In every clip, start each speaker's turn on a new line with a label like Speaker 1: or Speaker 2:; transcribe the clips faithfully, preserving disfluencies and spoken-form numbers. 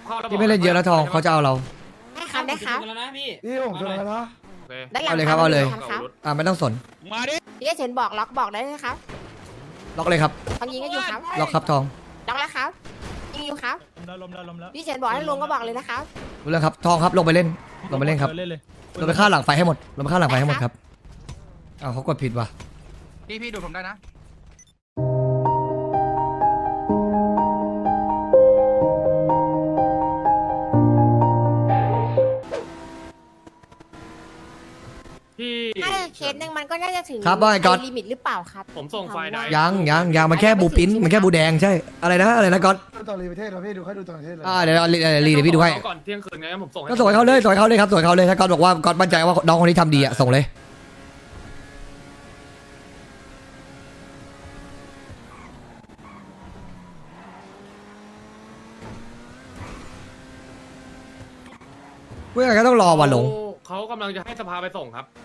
Speaker 1: พี่ไม่เล่นเยอะแล้วทองเขาจะเอาเรา
Speaker 2: ได้ครับได้ครับ
Speaker 3: แล้วนะพี่
Speaker 4: พี่ผมชนแล้วนะ
Speaker 2: ด้านหลัง
Speaker 1: เอาเลยครับเอาเลย
Speaker 2: ครับ
Speaker 1: อ่าไม่ต้องสน
Speaker 3: มาดิ
Speaker 2: พี่เฉินบอกล็อกบอกได้เลยครับ
Speaker 1: ล็อกเลยครับ
Speaker 2: เขายิงก็อยู่ครับ
Speaker 1: ล็อกครับทอง
Speaker 2: ล็อกแล้วครับยิงอยู่ครับ
Speaker 5: ได้ลมได้ลมแล้ว
Speaker 2: พี่เฉินบอกให้ลงก็บอกเลยนะครับ
Speaker 1: รู้เรื่องครับทองครับลงไปเล่นลงไปเล่นครับ
Speaker 5: เล่นเลย
Speaker 1: ลงไปฆ่าหลังไฟให้หมดลงไปฆ่าหลังไฟให้หมดครับอ้าวเขากดผิดว่ะ
Speaker 6: พี่พี่ดูผมได้นะ
Speaker 7: พี่
Speaker 2: ถ้าเคสหนึ่งมันก็น่าจะถึง
Speaker 1: ครับว่าไงก๊อต
Speaker 2: ลิมิตหรือเปล่าครับ
Speaker 7: ผมส่งไฟล์ได้
Speaker 1: ยังยังยังมันแค่บูปิ้นมันแค่บูแดงใช่อะไรนะอะไรนะก๊อต
Speaker 4: ดูต่อรีประเทศเราพี่ดูให้ดูต่อประเทศเลย
Speaker 1: อ่าเดี๋ยวรีรีเดี๋ยวพี่ดูให้
Speaker 7: ก่อนเที่ยงคืนไงผมส่งให้
Speaker 1: ก็ส่งให้เขาเลยส่งให้เขาเลยครับส่งให้เขาเลยถ้าก๊อตบอกว่าก๊อตมั่นใจว่าน้องคนนี้ทำดีอ่ะส่งเลยเพื่อนก็ต้องรอวันหลง
Speaker 7: เขากำลังจะให้สภาไปส่งครับ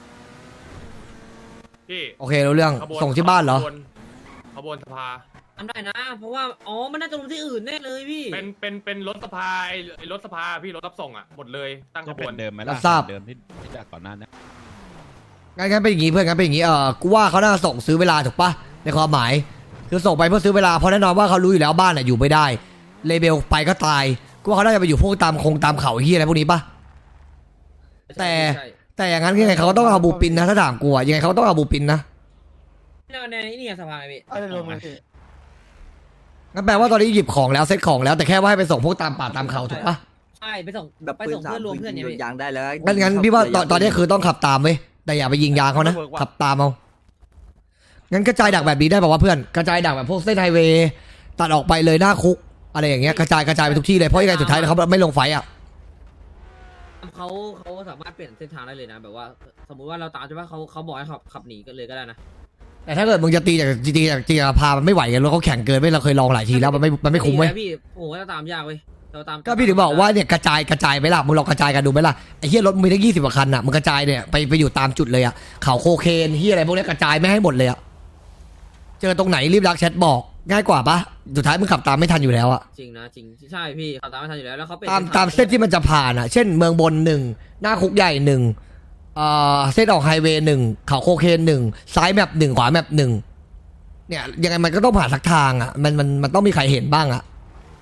Speaker 7: พี่
Speaker 1: โอเครู้เรื่อง
Speaker 7: ขบวน
Speaker 1: ส่งที่บ้านเหรอ
Speaker 7: ขบวนขบวนสภา
Speaker 3: ทำได้นะ เพราะว่าอ๋อมันน่าจะลงที่อื่นแน่เลยพี่
Speaker 7: เป็นเป็นเป็นรถสภาไอ้ไอ้รถสภาพี่รถรับส่งอ่ะหมดเลยตั้งข
Speaker 8: จะ
Speaker 7: บ
Speaker 8: เป็
Speaker 7: วน
Speaker 8: นเดิมไหม
Speaker 1: รั
Speaker 8: ล่ะ
Speaker 1: บทราบ
Speaker 8: เดิมที่ที่จากก่อนหน้านี้
Speaker 1: งั้นงั้นเป็นอย่างงี้เพื่อนงั้นเป็นอย่างงี้เออกูว่าเขาน่าส่งซื้อเวลาถูกปะในความหมาย คือส่งไปเพื่อซื้อเวลาเพราะแน่นอนว่าเขารู้อยู่แล้วบ้านน่ะอยู่ไม่ได้เลเบลไปก็ตายกูว่าเขาน่าจะไปอยู่พวกตามคงตามเขาไอ้เฮียอะไรพวกนี้ปะ แต่
Speaker 3: ใช่
Speaker 1: แต่อย่างนั้นยังไงเขาก็ต้องเอาบูปินนะถ้าถามกูอะยังไงเขาก็ต้องเอาบูปินนะ
Speaker 3: ในในนี่ไงสภาไงพี่
Speaker 4: อะไรลงมาพี่
Speaker 1: งั้นแปลว่าตอนนี้หยิบของแล้วเซ็ตของแล้วแต่แค่ว่าให้ไปส่งพวกตามป่าตามเขาถูกปะ
Speaker 3: ใช่ไปส่ง
Speaker 6: แบบ
Speaker 3: ไป
Speaker 6: ปืน
Speaker 3: ส่ง
Speaker 6: สาม
Speaker 3: เพื่อนรวมเพื่อนเนี่ย
Speaker 6: ปื
Speaker 3: พี่
Speaker 6: ยางได้แล้ว
Speaker 1: งั้นงั้นพี่ว่าตอนตอนนี้คือต้องขับตามเว้ยแต่อย่าไปยิงยางเขานะขับตามเอางั้นกระจายดักแบบนี้ได้ป่าวว่าเพื่อนกระจายดักแบบพวกเส้นไฮเวย์ตัดออกไปเลยหน้าคุกอะไรอย่างเงี้ยกระจายกระจายไปทุกที่เลยเพราะยังไงสุดท้ายเขาไม่ลงไฟอะ
Speaker 3: เขาเขาสามารถเปลี่ยนเส้นทางได้เลยนะ แบบว่าสมมุติว่าเราตามใช่ปะเขาเขาบอกให้ขับขับหนีกันเลยก็ได้นะ
Speaker 1: แต่ถ้าเกิดมึงจะตีจากจริงๆจากจริงๆพามันไม่ไหวกันรถเขาแข่งเกินไม่เราเคยลองหลายทีแล้วมันไม่มันไม่คุ้มเว้ย
Speaker 3: พี่โอ้โหเราตามยากเว้ยเราตาม
Speaker 1: ก็พี่ถึงบอกว่าเนี่ยกระจายกระจายไปล่ะมึงลองกระจายกันดูไหมล่ะไอ้เหี้ยรถมึงมีตั้งยี่สิบกว่าคันอ่ะมึงกระจายเนี่ยไปไปอยู่ตามจุดเลยอ่ะเขาโคเคนเหี้ยอะไรพวกนี้กระจายไม่ให้หมดเลยอ่ะเจอตรงไหนรีบรักแชทบอกง่ายกว่าปะสุดท้ายมึงขับตามไม่ทันอยู่แล้วอ่ะ
Speaker 3: จริงนะจริงใช่พี่เขาตามไม่ทันอยู่แล้วแล้วเขาเป็น
Speaker 1: ตามตามเส้นที่มันจะผ่านอ่ะเช่นเมืองบนหนึ่งหน้าคุกใหญ่หนึ่งเอ่อเส้นออกไฮเวย์หนึ่งเขาโคเคนหนึ่งซ้ายแมปหนึ่งขวาแมปหนึ่งเนี่ยยังไงมันก็ต้องผ่านสักทางอ่ะมันมันมันต้องมีใครเห็นบ้างอ่ะ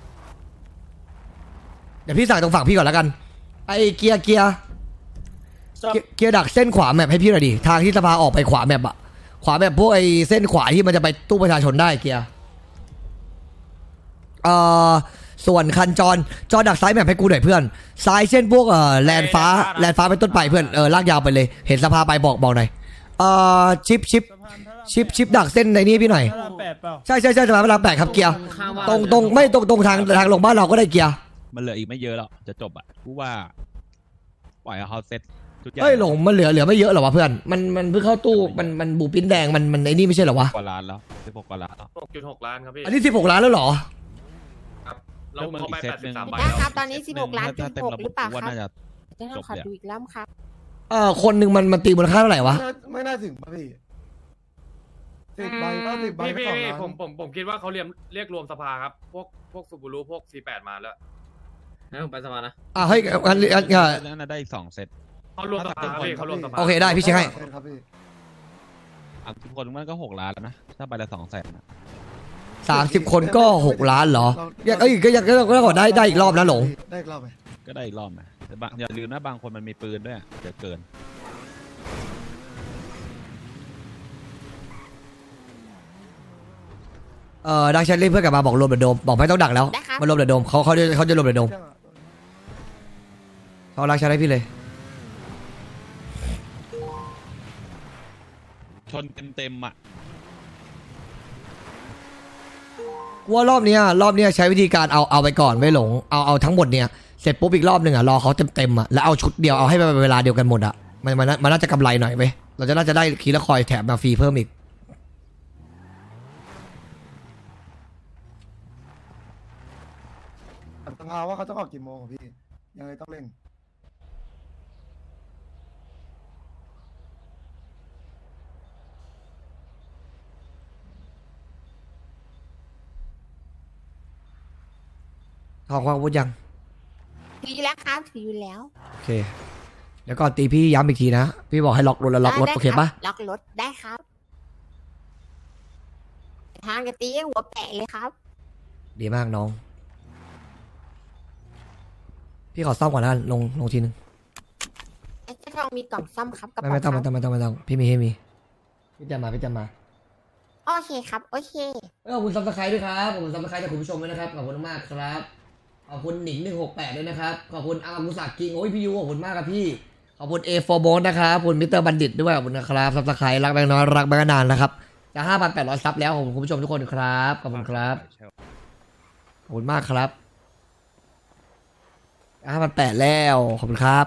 Speaker 1: เดี๋ยวพี่สั่งตรงฝั่งพี่ก่อนแล้วกันไอ้เกียร์เกียร์เกียร์เกียร์ดักเส้นขวาแมปให้พี่หน่อยดิทางที่สภาออกไปขวาแมปอะขวาแมปพวกไอ้เส้นขวาที่มันจะไปตู้ประชาชนได้เกียร์เอ่อส่วนคันจรจอดักซ้ายแมปให้กูหน่อยเพื่อนซ้ายเส้นพวกเอ่อแลนฟ้าแลนฟ้าเป็นต้นไปเพื่อนเออลากยาวไปเลยเห็นสภาไปบอกบอกหน่อยเอ่อชิปชิปชิปชิปดักเส้นในนี้พี่หน่อย
Speaker 5: พระรามแปดเปล่า
Speaker 1: ใช่ใช่ใช่สภาพลังแปดครับเกียร์
Speaker 3: ข้างว่า
Speaker 1: ตรงตรงไม่ตรงตรงทางทางลงบ้านเราก็ได้เกียร์
Speaker 8: มันเหลืออีกไม่เยอะหรอกจะจบอ่ะกูว่า ปล่อยให้เขาเซ็ตชุดใหญ่
Speaker 1: เอ้ยหลงมันเหลือเหลือไม่เยอะหรอวะเพื่อนมันมันเพิ่งเข้าตู้มันมันบูปิ้นแดงมันมันไอ้นี่ไม่ใช่เหรอวะ
Speaker 8: กว่าล้านแล้วสิบหกกว่าล้านแล้ว
Speaker 7: หกจุดหกล้านครับพี่
Speaker 1: อันนี้สิบหกล้านแล้วเหรอ
Speaker 7: เราเข้าไป
Speaker 8: เซ็ต
Speaker 7: แปด
Speaker 8: หนึ่
Speaker 7: สิบ
Speaker 8: ง
Speaker 7: สามใบ
Speaker 2: ได้
Speaker 7: แล้ว
Speaker 2: ครับตอนนี้สิบหกล้าน
Speaker 8: ถ้
Speaker 2: สิบ
Speaker 8: เต็ม
Speaker 2: หก
Speaker 8: ระ
Speaker 2: ห
Speaker 8: บ
Speaker 2: รื
Speaker 8: บ
Speaker 2: อเปล่า
Speaker 8: กูว่า
Speaker 2: ครับ
Speaker 8: น่าจะ
Speaker 2: จะต้องขอดูอีกแล้วครับ
Speaker 1: เอ่อคนหนึ่งมันมันตีมูลค่าเท่าไหร่วะ
Speaker 4: ไม่น่าไม่น่าถึงป่ะพี่สิบใบก็สิบใบ
Speaker 7: พี่
Speaker 4: ก็
Speaker 7: พี่
Speaker 4: สองล้าน
Speaker 7: ผมผมผมคิดว่าเขาเรียกเรียกรวมสภาครับ พวกพวกซูบูรุพวกซีแปดมาแล้ว
Speaker 3: ให้ผมไปสภานะ
Speaker 1: อ่ะให้อันอันอ่ะ
Speaker 8: น่าได้อีกสองเซต
Speaker 7: เขารวมสภาครับพี่เขารวมสภา
Speaker 1: โอเคได้พี่เช็คให้
Speaker 4: ครับพี่
Speaker 8: อ่ะทุกคนมันก็หกล้านแล้วนะถ้าใบละสองแสนนะ
Speaker 1: สามสิบคนก็หกล้านเหรอยังเอ้ยก็ยังก็ก็ขอได้ได้อีกรอบนะหลง
Speaker 4: ได้อีกรอบไหม
Speaker 8: ก็ได้อีกรอบนะแต่บางอย่าลืมนะบางคนมันมีปืนด้วยอะเดี๋ยวเกิน
Speaker 1: เอ่อดักแชทเรียกเพื่อนกลับมาบอกรวมเดอะโดมบอกไม่ต้องดักแล้ว
Speaker 2: ได้ครับ
Speaker 1: มารวมเดอะโดมเขาเขาจะเขาจะรวมเดอะโดมเขารักแชทให้พี่เลย
Speaker 8: ชนเต็มๆอ่ะ
Speaker 1: กูว่ารอบเนี้ยรอบเนี้ยใช้วิธีการเอาเอาไปก่อนไม่หลงเอาเอาทั้งหมดเนี่ยเสร็จปุ๊บอีกรอบหนึ่งอ่ะรอเขาเต็มเต็มๆอ่ะแล้วเอาชุดเดียวเอาให้มันเป็นเวลาเดียวกันหมดอ่ะมันมันมันน่าจะกำไรหน่อยไหมเราจะน่าจะได้คีละคอยแถมมาฟรีเพิ่มอีก
Speaker 4: สภาว่าเขาต้องออกกี่โมงอะพี่ ยังไงต้องเร่ง
Speaker 1: ทองความอาวุธยัง
Speaker 2: ถืออยู่แล้วครับถืออยู่แล้ว
Speaker 1: โอเคเดี๋ยวก่อนตีพี่ย้ำอีกทีนะพี่บอกให้ล็อกรถแล้วล็อกรถ
Speaker 2: ได้
Speaker 1: โอเคปะ
Speaker 2: รับล็อกรถได้ครับทางกะตีหัวแปะเลยครับ
Speaker 1: ดีมากน้อง พี่ขอซ่อมก่อนนะลงลงทีนึง
Speaker 2: ไอ้เจ้าทองมีกล่องซ่อมครับกระ
Speaker 1: ไม่
Speaker 2: เป๋า
Speaker 1: ไม่ต้อง
Speaker 2: ค
Speaker 1: ไม่
Speaker 2: รับ
Speaker 1: ต้องไม่ต้องไม่ต้องพี่มีให้มีพี่จะมาพี่จะมา
Speaker 2: โอเคครับโอเค
Speaker 1: ขอบคุณซับสไครต์ด้วยครับขอบคุณซับสไครต์จากคุณผู้ชมด้วยนะครับขอบคุณมากครับขอบคุณหนิงหนึ่งหกแปดด้วยนะครับขอบคุณอามุสักกิงโอ้ยพี่ยูขอบคุณมากครับพี่ขอบคุณเอฟอร์โบนนะครับขอบคุณมิสเตอร์บัณฑิตด้วยขอบคุณนะครับซับสไครต์รักแบงค์น้อยรักแบงค์นานนะครับจะห้าพันแปดร้อยซับแล้วขอบคุณคุณผู้ชมทุกคนครับขอบคุณครับขอบคุณมากครับห้าพันแปดแล้วขอบคุณครับ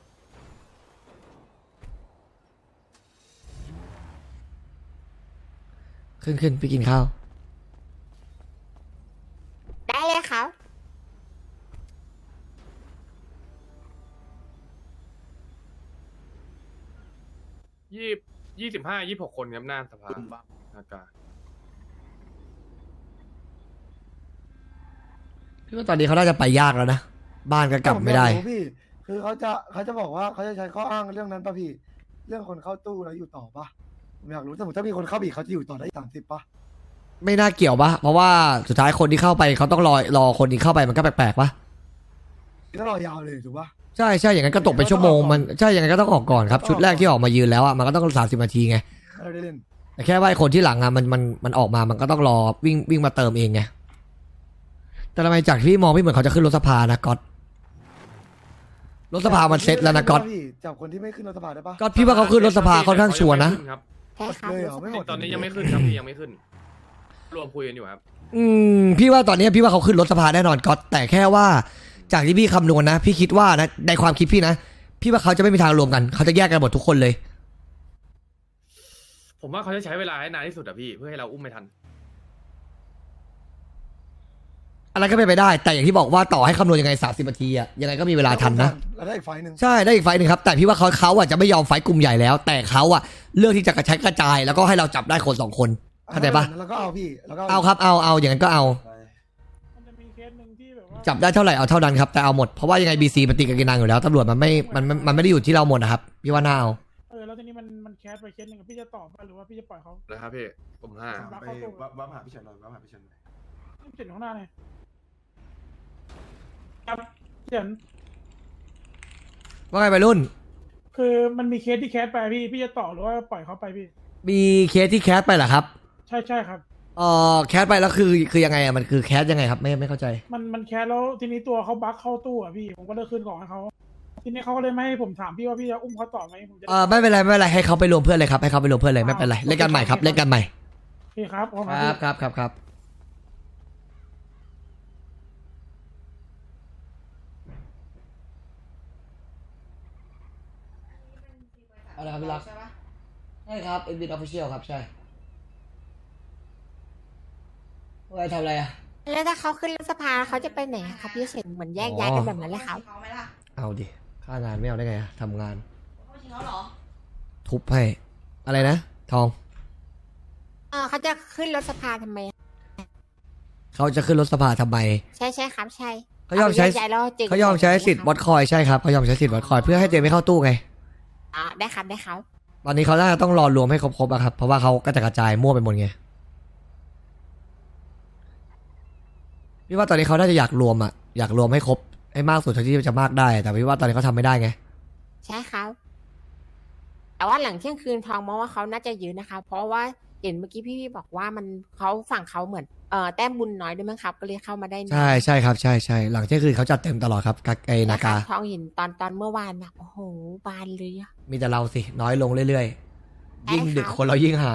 Speaker 1: ขึ้นขึ้นไปกินข้าว
Speaker 2: ได้เลยครับ
Speaker 7: ยี่ยี่สิบห้ายี่หกคนครับหน้าสภาอากาศ
Speaker 1: พี่ว่าตอนนี้เขาน่าจะไปยากแล้วนะ บ้านก็กลับไม่ได้
Speaker 4: ผอยากรู้พี่ คือเขาจะเขาจะบอกว่าเขาจะใช้ข้ออ้างเรื่องนั้นป่ะพี่ เรื่องคนเข้าตู้แล้วอยู่ต่อป่ะผมอยากรู้สมมติถ้ามีคนเข้าบีเขาจะอยู่ต่อได้สามสิบป่ะ
Speaker 1: ไม่น่าเกี่ยวปะเพราะว่าสุดท้ายคนที่เข้าไปเขาต้องรอรอคนที่เข้าไปมันก็แปลกๆปะ
Speaker 4: ก็รอยาวเลยถูกป่ะ
Speaker 1: ใช่ใช่อย่างนั้นก็ตกไปชั่วโมงมันใช่อย่างนั้นก็ต้องออกก่อนครับชุดแรกที่ออกมายืนแล้วอ่ะมันก็ต้องสามสิบนาทีไง
Speaker 4: เราได้เล่น
Speaker 1: แต่แค่ว่าไอ้คนที่หลังอ่ะมันมันมันออกมามันก็ต้องรอวิ่งวิ่งมาเติมเองไงแต่ทำไมจากที่มองพี่เหมือนเขาจะขึ้นรถสภานะก๊อตรถสภามันเซ็ตแล้วนะก๊อต
Speaker 4: พี่จับคนที่ไม่ขึ้นรถสภาได้ป่ะ
Speaker 1: ก๊อตพี่ว่าเขาขึ้นรถสภาค่อนข้างชัวร์นะ
Speaker 7: ครับ
Speaker 2: ใช่ครับ
Speaker 4: เลยเหรอไม่หมด
Speaker 7: ตอนนี้ยังไม่ขึ้นครับพี่ยังไม่ขึ้น รวมคุยกันอยู่ครับ
Speaker 1: อืมพี่ว่าตอนนี้พี่ว่าเขาขึ้นรถสภาแน่นอนก๊อตแต่แค่ว่าจากที่พี่คำนวณนะ พี่คิดว่านะในความคิดพี่นะพี่ว่าเขาจะไม่มีทางรวมกันเขาจะแยกกันหมดทุกคนเลย
Speaker 7: ผมว่าเขาจะใช้เวลาให้นานที่สุดอะพี่เพื่อให้เราอุ้มไม่ทัน
Speaker 1: อะไรก็เป็นไปได้ แต่อย่างที่บอกว่าต่อให้คำนวณยังไงสามสิบนาทีอะยังไงก็มีเวลาทันนะ
Speaker 4: เราได้อีกไฟล์หนึ่ง
Speaker 1: ใช่ได้อีกไฟล์หนึ่งครับแต่พี่ว่าเขาเขาอะจะไม่ยอมไฟล์กลุ่มใหญ่แล้ว แต่เขาอะเลือกที่จะกระชับกระจายแล้วก็ให้เราจับได้คนสองคนเข้าใจปะ
Speaker 4: แล้วก็เอาพี่แล้วก็
Speaker 1: เอาครับเอาเอาอย่างนั้นก็เอา
Speaker 5: มันจะมีเคสหนึ่งที่แบบว่า
Speaker 1: จับได้เท่าไหร่เอาเท่านั้นครับแต่เอาหมดเพราะว่ายังไงบีซีมันติดกับกินังอยู่แล้วตำรวจมันไม่มันมันมันไม่ได้อยู่ที่เราหมดนะครับพี่ว่าน่าเอา
Speaker 5: เออแล้วทีนี้มันมันแคสไปเคสหนึ่งอะพี่จะตอบป่ะหรือว่าพี่จะปล่อยเขา
Speaker 7: นะครับพี่ผมห้า
Speaker 5: รับ
Speaker 4: ไป
Speaker 5: เข้าตู้
Speaker 4: วับวับหาพี่เฉินหน่อยวับหาพี่เฉินหน่อย
Speaker 5: เจ็ดข้างหน้าเลยครับเดี๋ยว
Speaker 1: ว่าไงไปรุ่น
Speaker 5: คือมันมีเคสที่แคสไปพี่พี่จะต่อหรือว่าปล่อยเขาไปพี่
Speaker 1: มีเคสที่แคสไปเหรอครับ
Speaker 5: ใช่ใช่ครับ
Speaker 1: เอ่อแคสไปแล้วคือคือยังไงอะมันคือแคสยังไงครับไม่ไม่เข้าใจ
Speaker 5: มันมันแคสแล้วทีนี้ตัวเขาบั๊กเข้าตู้อ่ะพี่ผมก็เลยคืนของให้เขาทีนี้เขาก็เลยไม่ให้ผมถามพี่ว่าพี่จะอุ้มเขาต่อไหมผมจะ
Speaker 1: เออไม่เป็นไรไม่เป็นไรให้เขาไปรวมเพื่อนเลยครับให้เขาไปรวมเพื่อนเลยไม่เป็นไรเล่นกันใหม่ครับเล่นกันใหม่
Speaker 5: โอเคครับขอบ
Speaker 1: ค
Speaker 5: คุณ
Speaker 1: รับ
Speaker 5: พี่
Speaker 1: ครับครับครับเอาละครับพี่รักใช่ครับเอ็นบีออฟฟิเชียลครับใช่ว่าทำอะไรอ่ะ
Speaker 2: แล้วถ้าเขาขึ้นรถสภาเขาจะไปไหนอะครับพี่เฉินเหมือนแยกย้ายกันแบบนั้นเลยครับ
Speaker 9: เขาไหมล่ะ
Speaker 1: เอาดิค่างานไม่เอาได้ไงอะทำงาน
Speaker 9: เขาจริงเขาเหรอ
Speaker 1: ทุบให้อะไรนะทอง
Speaker 2: เออเขาจะขึ้นรถสภาทำไมอะ
Speaker 1: เขาจะขึ้นรถสภาทำไม
Speaker 2: ใช่ใช่ครับใช่
Speaker 1: เขายอมใช้
Speaker 2: แกย้ายแล้วจริง
Speaker 1: เขายอมใช้สิทธิ์บอทคอยใช่ครับเขายอมใช้สิทธิ์บอทคอยเพื่อให้เจไม่เข้าตู้ไง
Speaker 2: อ่าได้ครับได้ครับ
Speaker 1: ตอนนี้เขาน่าจะต้องรอรวมให้ครบๆอะครับเพราะว่าเขาก็จะกระจายมั่วไปหมดไงพี่ว่าตอนนี้เขาน่าจะอยากรวมอะอยากรวมให้ครบให้มากสุดเท่าที่จะมากได้ แต่พี่ว่าตอนนี้เขาทำไม่ได้ไง
Speaker 2: ใช่ครับ แต่ว่าหลังเที่ยงคืนทองมองว่าเขาน่าจะยืนนะคะ เพราะว่าเห็นเมื่อกี้พี่พี่บอกว่ามันเขาฝั่งเขาเหมือนเอ่อแต้มบุญน้อยด้วยมั้งครับ ก็เลยเข้ามาได้น้อย
Speaker 1: ใช่ใช่ครับใช่ใช่หลังเที่ยงคืนเขาจัดเต็มตลอดครับกาไอนา
Speaker 2: ครั
Speaker 1: กา
Speaker 2: บทองเห็นตอนตอนเมื่อวานนะโอ้โหบานเลยอะ
Speaker 1: มีแต่เราสิน้อยลงเรื่อยๆยิ่งดึกคนเรายิ่งหาย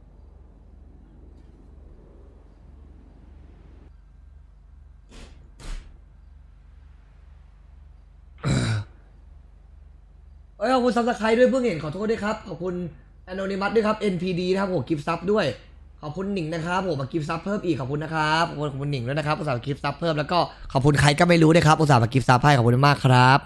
Speaker 1: เอ้ยขอบคุณซับสไครต์ด้วยเพิ่งเห็นขอโทษด้วยครับขอบคุณ Anonymous ด้วยครับ เอ็น พี ดี นะครับผมกิฟต์ซับด้วยขอบคุณหนิงนะครับผมมากิฟต์ซับเพิ่มอีกขอบคุณนะครับขอบคุณขอบคุณหนิงด้วยนะครับอุตส่าห์มากิฟต์ซับเพิ่มแล้วก็ขอบคุณใครก็ไม่รู้ด้วยครับอุตส่าห์มากิฟต์ซับให้ขอบคุณมากครับ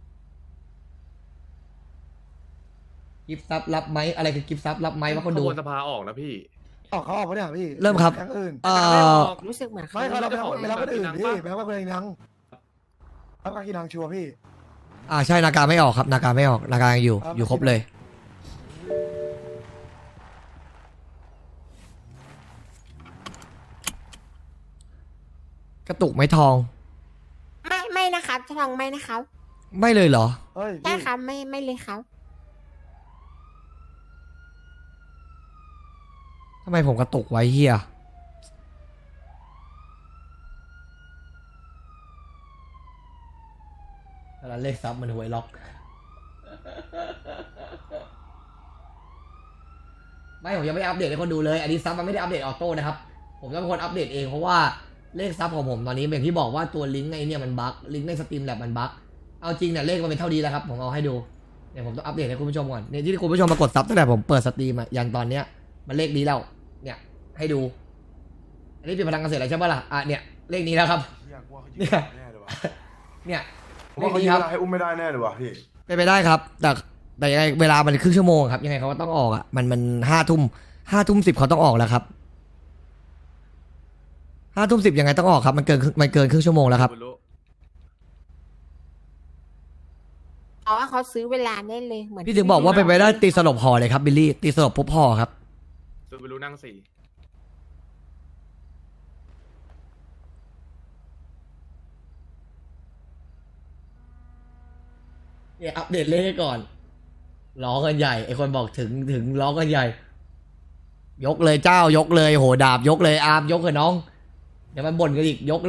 Speaker 1: กิฟต์ซับรับไหมอะไรคือกิฟต์ซับรับไหมว่าคน
Speaker 7: ข
Speaker 1: ดู
Speaker 7: บวนสภาออกนะพี่
Speaker 4: ออกเขาออกปะเนี่ยพี่
Speaker 1: เริ่มครับ
Speaker 4: แก๊งอื่น
Speaker 1: เอ่
Speaker 7: ไม่
Speaker 1: อ
Speaker 7: ออก
Speaker 2: รู้สึกเหมือนเขา
Speaker 4: ไม่เขาเราไป
Speaker 7: ไม่ได้
Speaker 4: ไปรับคนอื่น
Speaker 7: ของ
Speaker 4: พี่
Speaker 7: ปะ
Speaker 4: ไปรับคนอื่นยังครับกากินังชัวร์พี่
Speaker 1: อ่าใช่นาการไม่ออกครับนาการไม่ออกนาการยังอยู่
Speaker 4: ครับ
Speaker 1: อยู่ครบเลย กระตุกไหม่ทอง
Speaker 2: ไม่ไม่นะครับจะทองไม่นะครับ
Speaker 1: ไม่เลยเหรอ
Speaker 4: เฮ้ย
Speaker 2: ใช่
Speaker 4: พี่
Speaker 2: ครับไม่ไม่เลยครับ
Speaker 1: ทำไมผมกระตุกไว้เฮียแล้วเลขซับมันหวยล็อก ไม่ผมยังไม่ได้อัปเดตให้คนดูเลย อันนี้ซับมันไม่ได้อัปเดตออโต้นะครับ ผมต้องเป็นคนอัปเดตเองเพราะว่าเลขซับของผมตอนนี้อย่างที่บอกว่าตัวลิงก์ไอ้เนี่ยมันบั๊กลิงก์ในสตรีมแลบมันบั๊กเอาจริงเนี่ยเลขมันเป็นเท่านี้แล้วครับผมเอาให้ดูเดี๋ยวผมต้องอัปเดตให้คุณผู้ชมก่อนเนี่ยที่คุณผู้ชมมากดซับตั้งแต่ผมเปิดสตรีมอะยันตอนเนี้ยมันเลขนี้แล้วเนี่ยให้ดู อันนี้เป็นพลังเกษตรอะไรใช่ปะล่ะอ่ะเนี่ยเลขนี้แล้วครับ
Speaker 9: อยากว่าเขา
Speaker 1: เนี่ย
Speaker 9: แน่เลยวะ
Speaker 1: เนี่ย
Speaker 9: ผม
Speaker 1: เล
Speaker 9: ว่า
Speaker 1: ข
Speaker 9: เขา
Speaker 1: นี้
Speaker 9: ยื
Speaker 1: ครับ
Speaker 9: นให้อุ้มไม่ได้แน่เลยวะพี่
Speaker 1: เป็นไปได้ครับ แต่แต่ยังไงเวลามันครึ่งชั่วโมงครับยังไงเขาก็ต้องออกอ่ะมันมันห้าทุ่มห้าทุ่มสิบเขาต้องออกแล้วครับห้าทุ่มสิบยังไงต้องออกครับมันเกินมันเกินครึ่งชั่วโมงแล้วครับ
Speaker 7: ซูบูรุ
Speaker 2: เพราะว่าเขาซื้อเวลาได้เลยเหมือน
Speaker 1: พี่ถึงบอกว่าเป็นไปได้ตีสลบห่อเลยครับบิลลี่ตีสลบปุ๊บห่อครับ
Speaker 7: ซูบูรุนั่งสี่
Speaker 1: เนี่ยอัปเดตเลขให้ก่อนร้องกันใหญ่ไอคนบอกถึงถึงร้องกันใหญ่ ยกเลยเจ้ายกเลยโหดาบยกเลยอาร์มยกเลยน้องเดี๋ยวมันบ่นกันอีกยกเลย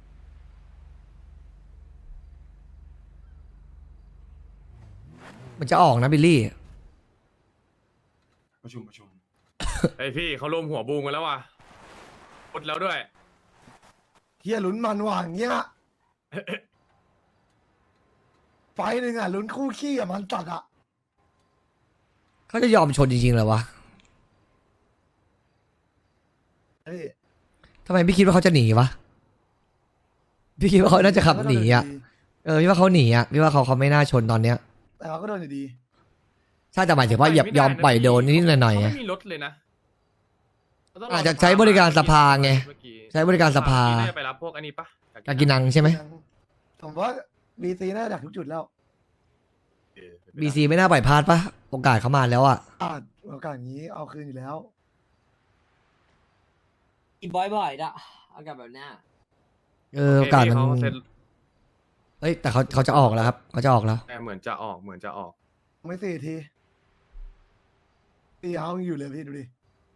Speaker 1: มันจะออกนะบิลลี่
Speaker 9: ประชุมประชุม
Speaker 7: ไอพี่เขารวมหัวบูมกันแล้วว่ะหมดแล้วด้วย
Speaker 4: เฮียลุ้นมันว่ะอย่างเงี้ย ไฟหนึ่งอ่ะลุ้นคู่ขี้อ่ะมันจัดอ่ะ
Speaker 1: เขาจะยอมชนจริงๆเหรอวะ
Speaker 4: เฮ้ย
Speaker 1: ทำไมพี่คิดว่าเขาจะหนีวะพี่คิดว่าเขาน่าจะขับหนีอ่ะเออพี่ว่าเขาหนีอ่ะพี่ว่าเขาเขาไม่น่าชนตอนเนี้ย
Speaker 4: แต่เขาก็โดนอยู่ดี
Speaker 1: ใช่แต่หมายถึงว่าอย่ายอมปล่อยโดนนิดๆหน่อยๆไง
Speaker 7: เขาไม่มีรถเลยนะเขต้งร
Speaker 1: อาจจะใช้บริการสภาไง
Speaker 7: เมื่อกี้
Speaker 1: ใช้บริการสภา
Speaker 7: น่าจะไปรับพวกอันนี้ปะ
Speaker 1: กากินังใช่ไหม
Speaker 4: ผมว่าบีซีน่าจะดักทุกจุดแล้ว
Speaker 7: เออเป็นไปได้
Speaker 1: บีซีไม่น่าปล่อยพลาดปะโอกาสเขามาแล้วอ่ะ
Speaker 4: อาจโอกาสอย่างนี้เอาคืนอยู่แล้ว
Speaker 3: กินบ่อยๆนะเอากับแบบเนี้ย
Speaker 1: เออโอกาสมัน
Speaker 7: เขาเซ็น
Speaker 1: เอ้ยแต่เขาเขาจะออกแล้วครับเขาจะออกแล้ว
Speaker 7: แต่เหมือนจะออกเหมือนจะออก
Speaker 4: ไม่สี่ทีตีเอาอยู่เลยพี่ดูดิ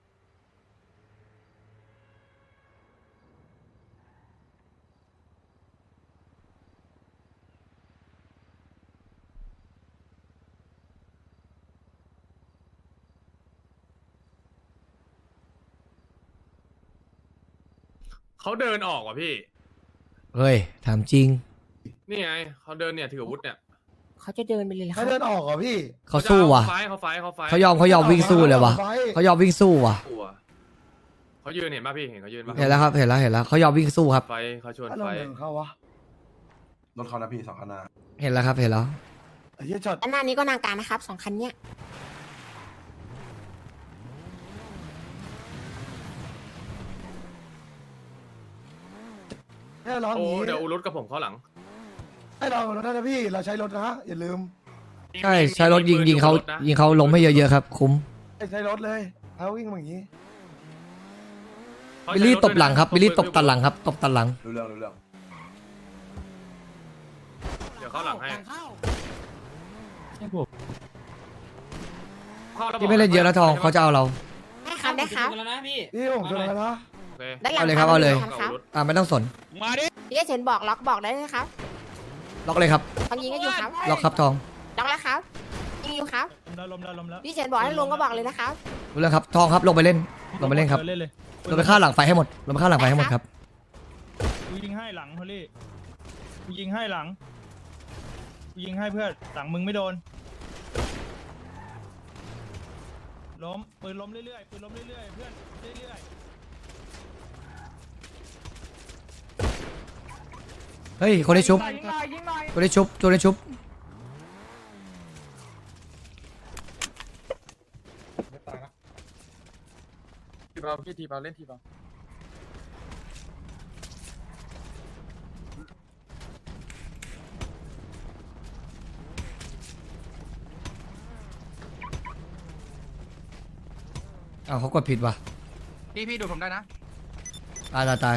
Speaker 7: เขาเดินออกว่ะพี่
Speaker 1: เฮ้ยถามจริง
Speaker 7: นี่ไงเขาเดินเนี่ยถืออาวุธเนี่ย
Speaker 2: เขาจะเดินไปเลยเหรอค
Speaker 4: ให้
Speaker 2: รับ
Speaker 4: เดินออกเหรอพี่
Speaker 1: เขาสู้ว่ะ
Speaker 7: เขาไฟท์เขาไฟท์เขาไฟท์
Speaker 1: เขายอมเขายอมวิ่งสู้เลยว่ะ
Speaker 4: ไฟ
Speaker 1: เขายอมวิ่งสู้ว่ะ
Speaker 7: กลัวเขายืนเห็นป่ะพี่เห็นเขายืนป่ะ
Speaker 1: เห็นแล้วครับเห็นแล้วเห็นแล้วเขายอมวิ่งสู้ครับ
Speaker 7: ไฟท์เขาชวน
Speaker 4: อะไร
Speaker 7: ไฟท์
Speaker 4: ของเขาวะ
Speaker 9: รถเขานะพี่สองคันหนา
Speaker 1: เห็นแล้วครับเห็นแล้ว
Speaker 4: ไอ้เหี้ยช็อต
Speaker 2: ด้านหน้านี้ก็นางการนะครับสองคันเนี้ย
Speaker 4: ให้เราอ
Speaker 7: โอ้
Speaker 4: ย่างนี้
Speaker 7: เดี๋ยวอูรุตกับผมเข้าหลัง
Speaker 4: ให้เรารถนะพี่เราใช้รถนะอย่าลืม
Speaker 1: ใช่ใช้รถยิงยิงเขา
Speaker 7: มีปืนอ
Speaker 1: ยิงเขาล้มให้เยอะๆครับ คุ้ม
Speaker 4: ใช้รถเลยเอาวิ่งมาอย่างนี้
Speaker 7: เขา
Speaker 1: บิลลี่
Speaker 7: ใช้รถ
Speaker 1: ตบหลังครับ
Speaker 7: ด้วยนะ
Speaker 1: บิลลี่ตบตันหลังครับตบตันหลัง
Speaker 9: รู้เรื่องรู้เรื่อง
Speaker 7: เดี๋ยวเข้าหลังให้
Speaker 2: เข้า
Speaker 7: เข้าแล้ว
Speaker 1: ที่ไม่เล่นเยอะนะทองเขาจะเอาเรา
Speaker 2: ได้ครับได้ครับ
Speaker 3: แล้วนะพี่
Speaker 4: พี่ผมชนแล้วนะ
Speaker 7: โอเค
Speaker 2: ด้านหลัง
Speaker 1: เอาเลยครับเอาเลย
Speaker 2: คันครับ
Speaker 1: อ่าไม่ต้องสน
Speaker 8: มาดิ
Speaker 2: พี่เฉินบอกล็อกบอกได้เลยครับ
Speaker 1: ล็อกเลยครับ
Speaker 2: เขายิงก็อยู่ครับ
Speaker 1: ล็อกครับทอง
Speaker 2: ล็อกแล้วครับยิงอยู่ครับ
Speaker 5: ล้มแล้วล้มแล้วล้มแล้ว
Speaker 2: พี่เฉินบอกให้ลงก็บอกเลยนะครับ
Speaker 1: รู้แล้วครับทองครับลงไปเล่นลงไปเล่นครับ
Speaker 5: เล่นเลย
Speaker 1: ลงไปฆ่าหลังไฟให้หมดลงไปฆ่าหลังไฟให้หมดครับ
Speaker 5: กูยิงให้หลังฮอลลี่กูยิงให้หลังกูยิงให้เพื่อนหลังมึงไม่โดนล้มปืนล้มเรื่อยๆปืนล้มเรื่อยๆเพื่อนเรื่อย
Speaker 1: เฮ้ยคนได้ชุบ
Speaker 5: ๆยิงหน่อยยิงหน่อย
Speaker 1: คนได้ชุบตัวได้ชุบ
Speaker 7: ทีเบาพี่ทีเบาเล่นทีเบา
Speaker 1: เอ้าวเขากดผิดว่ะ
Speaker 6: พี่พี่ดูผมได้นะ
Speaker 1: ตายตายตาย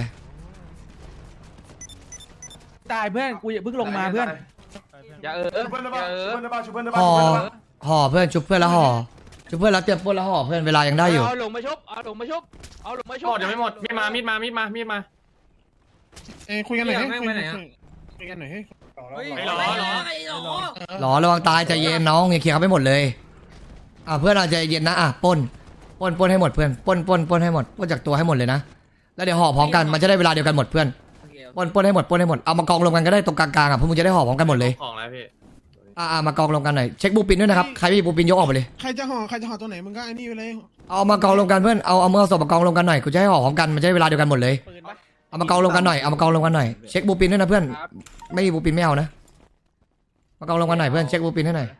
Speaker 10: ตายเพื่อนกูอย่าเพิ่งลงมาเพื่อน
Speaker 6: อย่าเออ
Speaker 9: ชุบเพื่อนได้ป่ะชุบเพื่อนได้ป่ะชุบเพื่อนได้
Speaker 1: ห่อ
Speaker 9: ป่ะ
Speaker 1: ห่อเพื่อนชุบเพื่อนแล้วห่อชุบเพื่อนแล้วเตรียมปล้นแล้วห่อเพื่อนเวลายังได้อยู่
Speaker 10: เอาหลงมาชุบเอาหลงมาชุบเอาหลงมาชุ
Speaker 7: ห
Speaker 10: บ
Speaker 7: มดยังไม่หมดมีดมามีดมามีดมามีดมา
Speaker 5: เอ้ยคุยกันหน่อยให้
Speaker 3: แม่ง
Speaker 5: คุ
Speaker 3: ไป
Speaker 5: ย
Speaker 3: ไหนอะ
Speaker 5: คุยกันหน่อยให้
Speaker 7: ไม่หรอหรอ
Speaker 1: หรอระวังตายใจเย็นน้องอย่าเคลียร์เขาไม่หมดเลยอ่ะเพื่อนเราใจเย็นนะอ่ะปล้นปล้นปล้นให้หมดเพื่อนปล้นปล้นปล้นให้หมดปล้นจากตัวให้หมดเลยนะแล้วเดี๋ยวห่อพร้อมกันมันจะได้เวลาเดียวกันหมดเพื่อนปล้นปล้นให้หมดปล้นให้หมดเอามากองรวมกันก็ได้ตรงกลางๆอ่ะพวกมึงจะได้ห่อพร้อมกันหมดเลย
Speaker 7: ของแล้วพี่
Speaker 1: อ่ะอ่ะมากองรวมกันหน่อยเช็คบูปินด้วยนะครับใครไม่มีบูปินยกออกไปเลย
Speaker 5: ใครจะห่อใครจะห่อตัวไหนมึงก็ไอ้นี่ไปเลย
Speaker 1: เอามากองรวมกันเพื่อนเอาเอามือเอาศพมากองรวมกันหน่อยกูจะให้ห่อพร้อมกันมันจะได้เวลาเดียวกันหมดเลย
Speaker 10: ปืนปะ
Speaker 1: เอามากองรวมกันหน่อยเอามากองรวมกันหน่อยเช็คบูปินด้วยนะเพื่อน
Speaker 10: ครับ
Speaker 1: ไม่มีบูปินไม่เอานะมากองรวมกันหน่อยเพื่อนเช็คบูปินให้หน่อย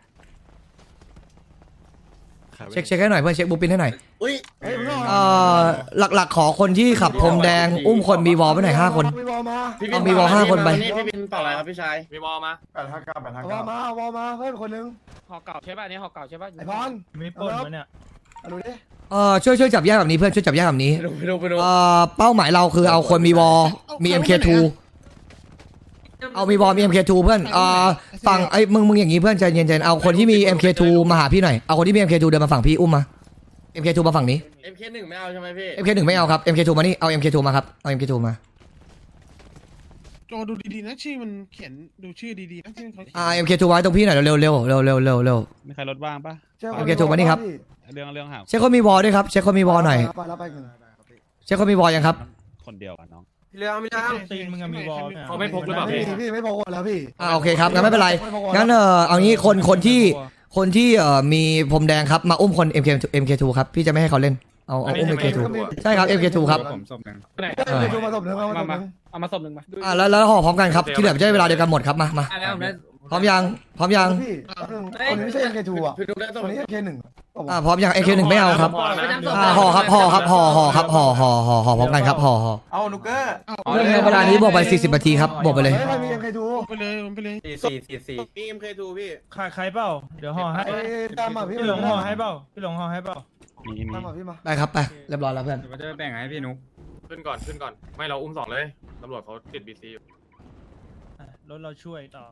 Speaker 1: เช็คเช็คให้หน่อยเพื่อนเช็คบูปินให้หน่อย
Speaker 4: เฮ้ยมึงห่อ
Speaker 1: เอ่อหลักๆขอคนที่ขับพรมแดงอุ้มคนมีวอลไปหน่อยห้าคน
Speaker 4: มีวอลมา
Speaker 1: เอามีวอลห้าคนไป
Speaker 3: พี่บินเปล่าอะไรครับพี่ชาย
Speaker 7: มีบอลมา
Speaker 9: แปดห้าเก้าแปดห้า
Speaker 4: เอาวอ
Speaker 9: เก้า
Speaker 4: ลมาเอาวอลมาเพิ่มคนนึง
Speaker 10: ห่อเก่าใช่ป่ะอันนี้ห่อเก่าใช่ป่ะ
Speaker 4: ไอพร
Speaker 5: ไม่ปล้นวะเนี่ย
Speaker 4: เอาดูดิ
Speaker 1: เอ่อช่วยช่วยจับแยกแบบนี้เพื่อนช่วยจับแยกแบบนี้
Speaker 3: ไปดูไปดูไปดู
Speaker 1: เอ่อเป้าหมายเราคือเอาคนมีวอลมี เอ็ม เค ทู เอามีวอลมี เอ็ม เค ทู เพื่อนเอ่อฝั่งไอ้มึงมึงอย่างงี้เพื่อนใจเย็นๆเอาคนที่มี เอ็ม เค ทู มาหาพี่หน่อยเอาคนที่มี เอ็ม เค ทู เดินมาฝั่งพี่อุ้มมา เอ็ม เค ทู มาฝั่งนี้
Speaker 3: เอ็มเคหนึ่งไม่เอาใช่ไหมพี่
Speaker 1: เอ็ม เค หนึ่งไม่เอาครับ เอ็ม เค ทู มานี่เอา เอ็ม เค ทู มาครับเอา เอ็ม เค ทู มา
Speaker 5: จอดูดีๆนะชื่อมันเขียนดูชื่อดีๆนะชื่อเขาเขียน
Speaker 1: อ่า เอ็ม เค ทู ไว้ตรงพี่หน่อยเร็วๆเร็วๆเร็วๆเร็วๆเร็วๆเร็ว
Speaker 8: มีใครรถว่างปะ
Speaker 1: โอเคถูกมานี่ครับ
Speaker 8: เรื่องเรื่องหา
Speaker 1: ๆเช็คคนมีวอลด้วยครับเช็คคนมีวอลหน่อย
Speaker 4: ไปแล้วไปกัน
Speaker 1: เช็คคนมีวอลยังครับ
Speaker 8: คนเดียวอ่ะน้อง
Speaker 3: พี่เลี้ยงไม่ได้
Speaker 5: ตีนมึงมีวอล
Speaker 7: เขาไม่พกหรือเปล่า
Speaker 4: พี่
Speaker 7: พี่
Speaker 4: พี่ไม่พกแล้วพี่
Speaker 1: อ่าโอเคครับงั้นไม่เป็นไรงั้นเออเอางี้คนคนที่คนที่เอ่อมีพรมแดงครับมาอุ้มคน เอ็ม เค เอ็ม เค ทู ครับพี่จะไม่ให้เขาเล่นเอาเอาอุ้ม เอ็ม เค ทู ใช่ครับ เอ็ม เค ทู ครับ
Speaker 8: ผมศพหนึ่ง
Speaker 10: ไหน
Speaker 4: เออดูมาศพหนึ่งเอามาศพหนึ่ง
Speaker 10: เอามาศพหนึ่งมา
Speaker 1: อ่าแล้วแล้วห่อพร้อมกันครับที่เหลือจะได้เวลาเดียวกันหมดครับมามา
Speaker 3: อ่ะแล้วผมได้
Speaker 1: พร้อมยังพร้อมยัง
Speaker 4: พี่คนนี้ไม่ใช่ เอ็ม เค ทู อ่ะ
Speaker 3: พี่ดูได้
Speaker 4: ค
Speaker 3: ส่ง
Speaker 4: นนี้ เอ็ม เค หนึ่ง
Speaker 1: อ่าพร้อมยัง เอ็ม เค หนึ่งไม่เอาครับ อ่าห่อครับห่อครับห่อห่อครับห่อห่อห่อห่อพร้อมกันครับห่อห่อ
Speaker 9: เอานุกเกอร์
Speaker 1: เรื่องเวลานี้บอกไปสี่สิบนาทีครับบอกไปเลย
Speaker 4: เฮ้ยใครมี เอ็ม เค ทู
Speaker 5: ไปเลยไปเลย
Speaker 3: สี่สี่สี่สี่พี่เอ็มเคทูพี่
Speaker 5: ใครใครเปล่าเดี๋ยวห่อให้
Speaker 4: ไอ้ตามมาพี่
Speaker 5: พี่หลงห่อให้เปล่าพี่หลงห่อให้เปล่า
Speaker 8: มีมี
Speaker 4: ตามมาพี่มา
Speaker 1: ได้ครับไปเรียบร้อยแล้วเพื่อน
Speaker 7: มันจะแบ่งให้พี่นุ๊กขึ้นก่อนขึ้นก่อนไม่เราอุ้มสองเลยตำรวจเขาติดบีซีอยู่
Speaker 5: รถเราช่วยต่อ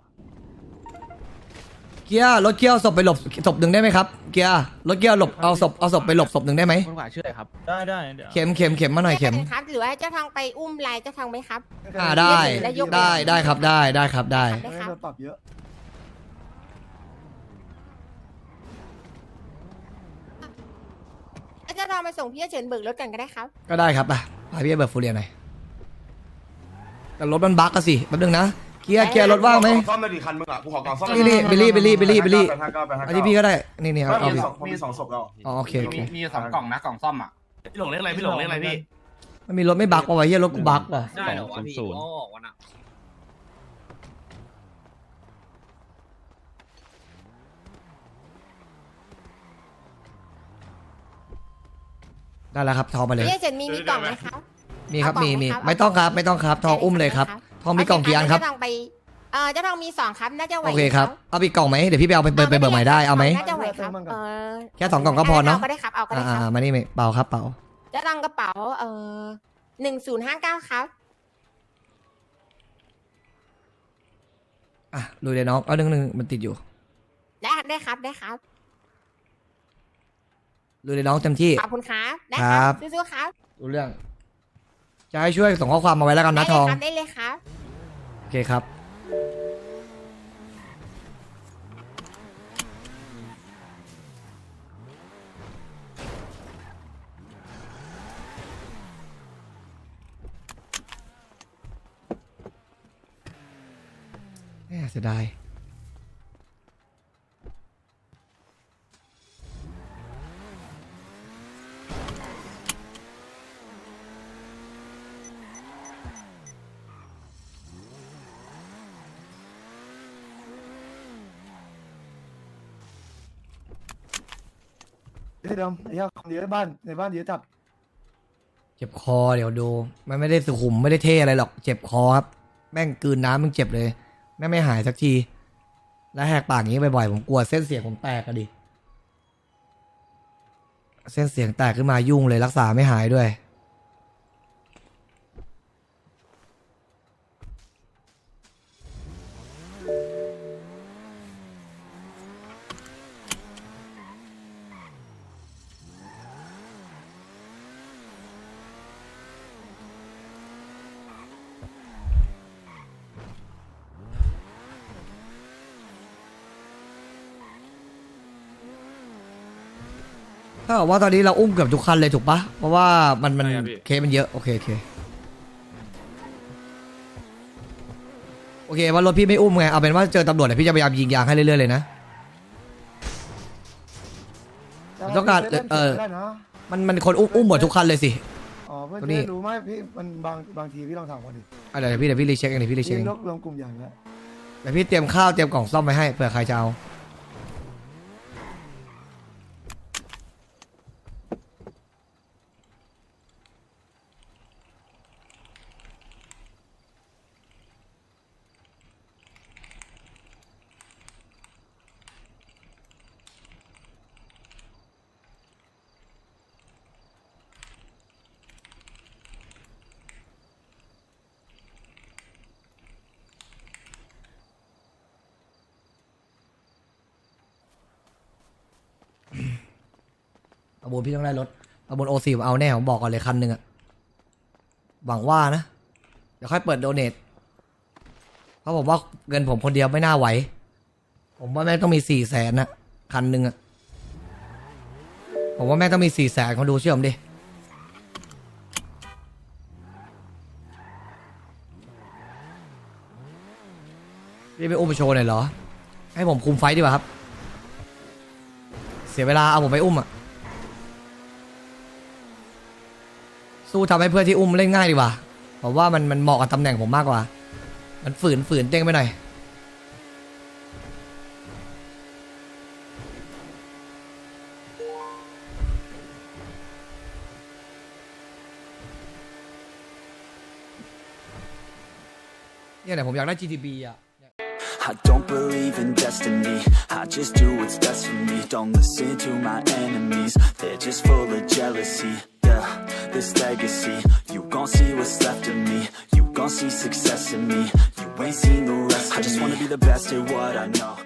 Speaker 1: เกียร์รถเกียร์เอาศพไปหลบศพหนึ่งได้ไหมครับเกียร์รถเกียร์หลบเอาศพเอาศพไปหลบศพหนึ่งได้ไหม
Speaker 10: คนขวาชื่ออะไรครับ
Speaker 5: ได้ได้เดี๋ยว
Speaker 1: เข็มเข็มเข็มมาหน่อยเข็ม
Speaker 2: ครับหรือว่าเจ้าทองไปอุ้มลายเจ้าทองไหมครับ
Speaker 1: อ่าได้ได้ได้ครับได้ได้ครับได้
Speaker 4: เฮ้ยโดนปรับเยอะ
Speaker 2: เจ้าทองไปส่งพี่เฉินเบิกรถกันก็ได้ครับ
Speaker 1: ก็ได้ครับไปพาพี่ไปเบิร์ดฟูเรียหน่อยแต่รถมันบั๊กอะสิแป๊บนึงนะเกียร์เกียร์รถว่างไหม
Speaker 9: ซ่อมได้กี่คันมึงอ่ะกูขอกล่องซ่อม
Speaker 1: นี่นี่บิลลี่บิลลี่บิลลี่บิลลี่
Speaker 9: แปดห้าเก้าแปดห้า
Speaker 1: อัน
Speaker 9: เก้า
Speaker 1: นี้พี่ก็ได้นี่นี่เอาเอา
Speaker 9: มี
Speaker 1: พี่
Speaker 9: สองมีสองศพแล้ว
Speaker 1: อ๋อโอเคโอเค
Speaker 6: มีสองกล่องนะกล่องซ่อมอ่ะพี่หลงเรียกอะไรพี่หลงเรียกอะไรพี่
Speaker 1: มันมีรถไม่บั๊กว่ะเฮียรถกูบั๊กว่ะ
Speaker 3: ได้เหรอวะพี่อ๋อออกวันอ่ะ
Speaker 1: ได้แล้วครับทองไปเลย
Speaker 2: พี่เฉินมีมีกล่องไหมครับ
Speaker 1: มีครับ
Speaker 2: เอากล่
Speaker 1: มี
Speaker 2: องไหม
Speaker 1: มี
Speaker 2: ครับ
Speaker 1: ไม่ต้องครับไม่ต้องครับทองอุ้มเลยครับทองมีกล่องกี่อันครับ
Speaker 2: เจ้าทองไปเออเจ้าทองมีสองครับน่าจะไหว
Speaker 1: โอเคครับเอาอีกกล่องไหมเดี๋ยวพี่ไปเอาไปเบิร์ดไปเบิร์ดใหม่ได้เอาไหม
Speaker 2: น่าจะไหวครับเออ
Speaker 1: แค่สองกล่องก็พอเนาะ
Speaker 2: ก็ได้ครับเอาก็ได้
Speaker 1: อ่า
Speaker 2: ครับ
Speaker 1: ๆมานี่เปล่าครับเปล่า
Speaker 2: เจ้าทองกระเป๋าเออหนึ่งศูนย์ห้าเก้าครับ
Speaker 1: อ่ะลุยเลยน้องเอาหนึ่งหนึ่งมันติดอยู่
Speaker 2: ได้ได้ครับได้ครับ
Speaker 1: ลุยเลยน้องเต็มที่
Speaker 2: ขอบคุณครับได้
Speaker 1: ค
Speaker 2: ค
Speaker 1: รั
Speaker 2: รับ บสู้ๆครับ
Speaker 1: รู้เรื่อง จะให้ช่วยส่งข้อความมาไว้แล้วกันนะทอง
Speaker 2: ได้เลยครับ
Speaker 1: โอเคครับแหม่เสียดาย
Speaker 4: เดี๋ยวเดิมไอ้เหี้ยคนเดียวในบ้านในบ้านเดียวจับ
Speaker 1: เจ็บคอเดี๋ยวดู มันไม่ได้สุขุมไม่ได้เท่อะไรหรอก เจ็บคอครับ แม่งกลืนน้ำมึงเจ็บเลย แม่งไม่หายสักที แล้วแหกปากอย่างนี้บ่อยๆ ผมกลัวเส้นเสียงผมแตกอะดิเส้นเสียงแตกขึ้นมายุ่งเลยรักษาไม่หายด้วยถ้าบอกว่าตอนนี้เราอุ้มเกือบทุกคันเลยถูกปะเพราะว่ามันมัน
Speaker 7: ใช่ครับพี่
Speaker 1: เคสมันเยอะโอเคโอเคโอเคว่ารถพี่ไม่อุ้มไงเอาเป็นว่าเจอตำรวจเดี๋ยวพี่จะพยายามยิงยางให้เรื่อยๆเลยนะ ต้องการเออ
Speaker 4: ได้นะ
Speaker 1: มันมันคนอุ้มอุ้มหมดทุกคันเลยสิ
Speaker 4: อ๋อเพื่อน
Speaker 1: ตัวนี้
Speaker 4: จะรู้ไหมพี่มันบางบางทีพี่ลองถามก่อนดิ
Speaker 1: อ่ะเดี๋ยวพี่เดี๋ยวพี่รีเช็คเองเดี๋ยวพี่รีเช็คเอง
Speaker 4: รวมรวมกลุ่มใหญ่แล้ว
Speaker 1: เดี๋ยวพี่เตรียมข้าวเตรียมกล่องซ่อมไว้ให้เผื่อใครจะเอาประมูลพี่ต้องได้รถประมูลโอซีผมเอาแน่ผมบอกก่อนเลยคันหนึ่งอะหวังว่านะเดี๋ยวค่อยเปิดโดเนทเพราะผมว่าเงินผมคนเดียวไม่น่าไหวผมว่าแม่งต้องมีสี่แสนนะคันหนึ่งอะผมว่าแม่งต้องมีสี่แสนคนดูเชื่อผมดิพี่ไปอุ้มไปโชว์หน่อยเหรอให้ผมคุมไฟดีกว่าครับเสียเวลาเอาผมไปอุ้มอะสู้ทำให้เพื่อนที่อุ้มเล่นง่ายดีกว่าผมว่ามันมันเหมาะกับตำแหน่งผมมากกว่ามันฝืนฝืนเต้งไปหน่อยเนี่ยเนี่ยผมอยากได้ จี ที บี อ่ะ
Speaker 11: I don't believe in destiny, I just do what's best for me. Don't listen to my enemies, they're just full of jealousy. Yeah, this legacy, you gon' see what's left of me. You gon' see success in me, you ain't seen the rest of me. I just wanna be the best at what I know.